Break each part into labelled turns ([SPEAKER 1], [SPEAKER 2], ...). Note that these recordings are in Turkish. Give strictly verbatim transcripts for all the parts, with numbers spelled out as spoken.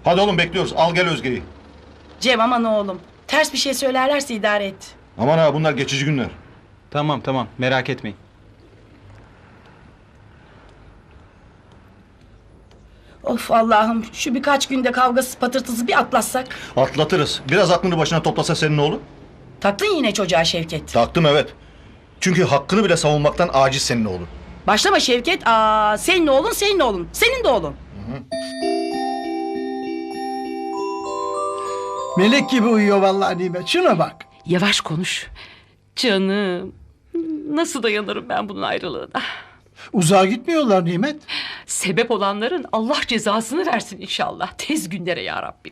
[SPEAKER 1] Hadi oğlum bekliyoruz. Al gel Özge'yi.
[SPEAKER 2] Cem aman oğlum. Ters bir şey söylerlerse idare et.
[SPEAKER 1] Aman ha bunlar geçici günler.
[SPEAKER 3] Tamam tamam merak etmeyin.
[SPEAKER 2] Of Allah'ım şu birkaç günde kavgası patırtısı bir atlatsak.
[SPEAKER 1] Atlatırız. Biraz aklını başına toplasa senin oğlu.
[SPEAKER 2] Taktın yine çocuğa Şevket.
[SPEAKER 1] Taktım evet. Çünkü hakkını bile savunmaktan aciz senin oğlu.
[SPEAKER 2] Başlama Şevket. Aa, senin oğlun senin oğlun. Senin de oğlun.
[SPEAKER 4] Melek gibi uyuyor vallahi Nimet. Şuna bak.
[SPEAKER 5] Yavaş konuş. Canım. Nasıl dayanırım ben bunun ayrılığına?
[SPEAKER 4] Uzağa gitmiyorlar Nimet.
[SPEAKER 5] Sebep olanların Allah cezasını versin inşallah. Tez günlere ya Rabbim.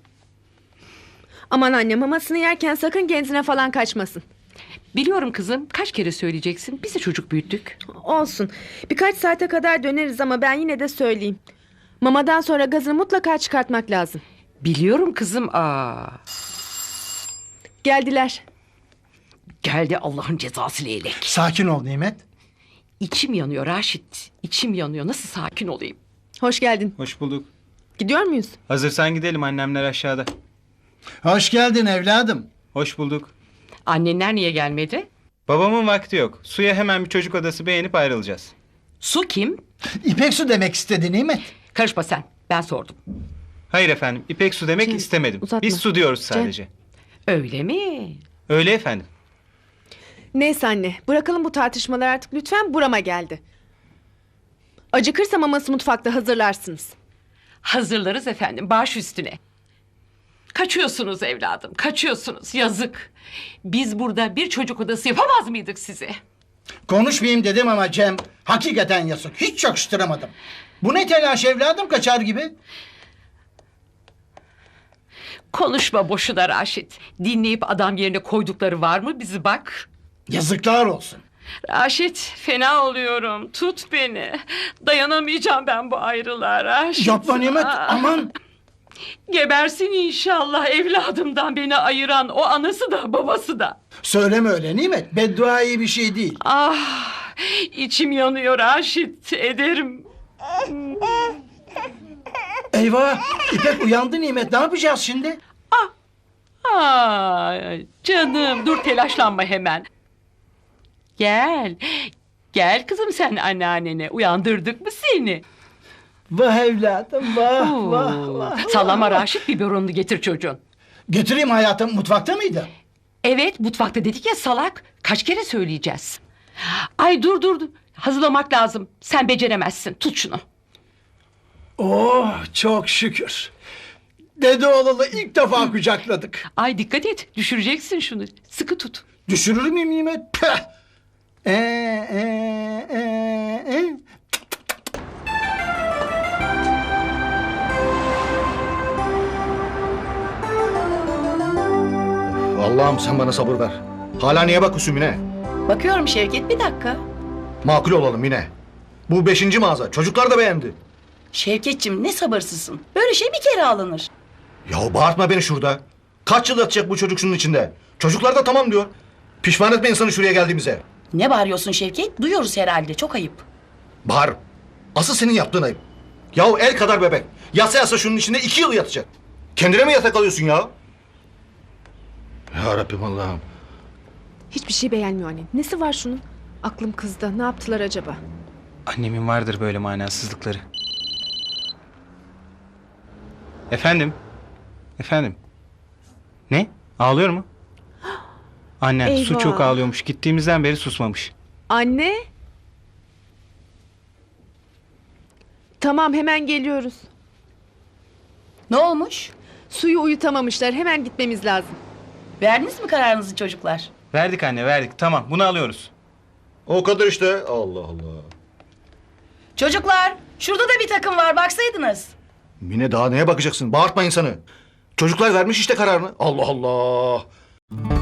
[SPEAKER 6] Aman anne, mamasını yerken sakın genzine falan kaçmasın.
[SPEAKER 5] Biliyorum kızım, kaç kere söyleyeceksin. Biz de çocuk büyüttük.
[SPEAKER 6] Olsun. Birkaç saate kadar döneriz ama ben yine de söyleyeyim. Mamadan sonra gazını mutlaka çıkartmak lazım.
[SPEAKER 5] Biliyorum kızım. Aa.
[SPEAKER 6] Geldiler.
[SPEAKER 5] Geldi Allah'ın cezası leylek.
[SPEAKER 4] Sakin ol Nimet.
[SPEAKER 5] İçim yanıyor Raşit. İçim yanıyor. Nasıl sakin olayım?
[SPEAKER 6] Hoş geldin.
[SPEAKER 3] Hoş bulduk.
[SPEAKER 6] Gidiyor muyuz?
[SPEAKER 3] Hazırsan gidelim, annemler aşağıda.
[SPEAKER 4] Hoş geldin evladım.
[SPEAKER 3] Hoş bulduk.
[SPEAKER 5] Annenler niye gelmedi?
[SPEAKER 3] Babamın vakti yok. Suya hemen bir çocuk odası beğenip ayrılacağız.
[SPEAKER 5] Su kim?
[SPEAKER 4] İpek su demek istedi Nimet.
[SPEAKER 5] Karışma sen. Ben sordum.
[SPEAKER 3] Hayır efendim, İpek su demek
[SPEAKER 6] Cem,
[SPEAKER 3] istemedim.
[SPEAKER 6] uzatma.
[SPEAKER 3] Biz su diyoruz sadece.
[SPEAKER 5] Öyle mi?
[SPEAKER 3] Öyle efendim.
[SPEAKER 6] Neyse anne, bırakalım bu tartışmaları artık lütfen, burama geldi. Acıkırsa maması mutfakta hazırlarsınız.
[SPEAKER 5] Hazırlarız efendim, baş üstüne. Kaçıyorsunuz evladım, kaçıyorsunuz. Yazık. Biz burada bir çocuk odası yapamaz mıydık size?
[SPEAKER 4] Konuşmayayım dedim ama Cem hakikaten yazık. Hiç yakıştıramadım. Bu ne telaş evladım, kaçar gibi.
[SPEAKER 5] Konuşma boşuna Raşit. Dinleyip adam yerine koydukları var mı bizi bak.
[SPEAKER 4] Yazıklar olsun.
[SPEAKER 5] Raşit, fena oluyorum. Tut beni. Dayanamayacağım ben bu ayrılığa Raşit.
[SPEAKER 4] Yapma Nimet,
[SPEAKER 5] Aa.
[SPEAKER 4] aman.
[SPEAKER 5] Gebersin inşallah evladımdan beni ayıran o anası da babası da.
[SPEAKER 4] Söyleme öyle Nimet. Beddua iyi bir şey değil.
[SPEAKER 5] Ah, içim yanıyor Raşit, ederim.
[SPEAKER 4] Eyvah, İpek uyandı Nimet. Ne yapacağız şimdi?
[SPEAKER 5] Ay, canım dur telaşlanma hemen. Gel. Gel kızım sen anneannene. Uyandırdık mı seni?
[SPEAKER 4] Vah evladım, vah
[SPEAKER 5] Oo.
[SPEAKER 4] vah vah.
[SPEAKER 5] Sallama Raşit, biberonunu getir çocuğun.
[SPEAKER 4] Getireyim hayatım, mutfakta mıydı?
[SPEAKER 5] Evet mutfakta dedik ya salak. Kaç kere söyleyeceğiz? Ay dur dur dur. Hazırlamak lazım. Sen beceremezsin. Tut şunu.
[SPEAKER 4] Oh çok şükür. Dede oğlalı ilk defa kucakladık.
[SPEAKER 5] Ay dikkat et. Düşüreceksin şunu. Sıkı tut.
[SPEAKER 4] Düşürür müyüm Nimet? Peh! Ee, ee, ee, ee.
[SPEAKER 1] Allah'ım sen bana sabır ver. Hala niye bakıyorsun Mine?
[SPEAKER 2] Bakıyorum Şevket bir dakika.
[SPEAKER 1] Makul olalım Mine. Bu beşinci mağaza. Çocuklar da beğendi.
[SPEAKER 2] Şevketciğim ne sabırsızsın. Böyle şey bir kere alınır.
[SPEAKER 1] Ya bağırtma beni şurada. Kaç yıl yatacak bu çocuk şunun içinde? Çocuklar da tamam diyor. Pişman etme insanı şuraya geldiğimize.
[SPEAKER 2] Ne bağırıyorsun Şevket? Duyuyoruz herhalde. Çok ayıp.
[SPEAKER 1] Bağır. Asıl senin yaptığın ayıp. Yahu el kadar bebek. Yatsa yatsa şunun içinde iki yıl yatacak. Kendine mi yatak alıyorsun ya? Ya Rabbim Allah'ım.
[SPEAKER 6] Hiçbir şey beğenmiyor anne. Nesi var şunun? Aklım kızdı. Ne yaptılar acaba?
[SPEAKER 3] Annemin vardır böyle manasızlıkları. Efendim? Efendim? Ne? Ağlıyor mu? Annen su
[SPEAKER 6] Eyvah.
[SPEAKER 3] çok ağlıyormuş. Gittiğimizden beri susmamış.
[SPEAKER 6] Anne? Tamam, hemen geliyoruz.
[SPEAKER 2] Ne olmuş?
[SPEAKER 6] Suyu uyutamamışlar. Hemen gitmemiz lazım.
[SPEAKER 2] Verdiniz mi kararınızı çocuklar?
[SPEAKER 3] Verdik anne verdik. Tamam bunu alıyoruz.
[SPEAKER 1] O kadar işte. Allah Allah.
[SPEAKER 2] Çocuklar şurada da bir takım var baksaydınız.
[SPEAKER 1] Mine daha neye bakacaksın? Bağırtma insanı. Çocuklar vermiş işte kararını. Allah Allah.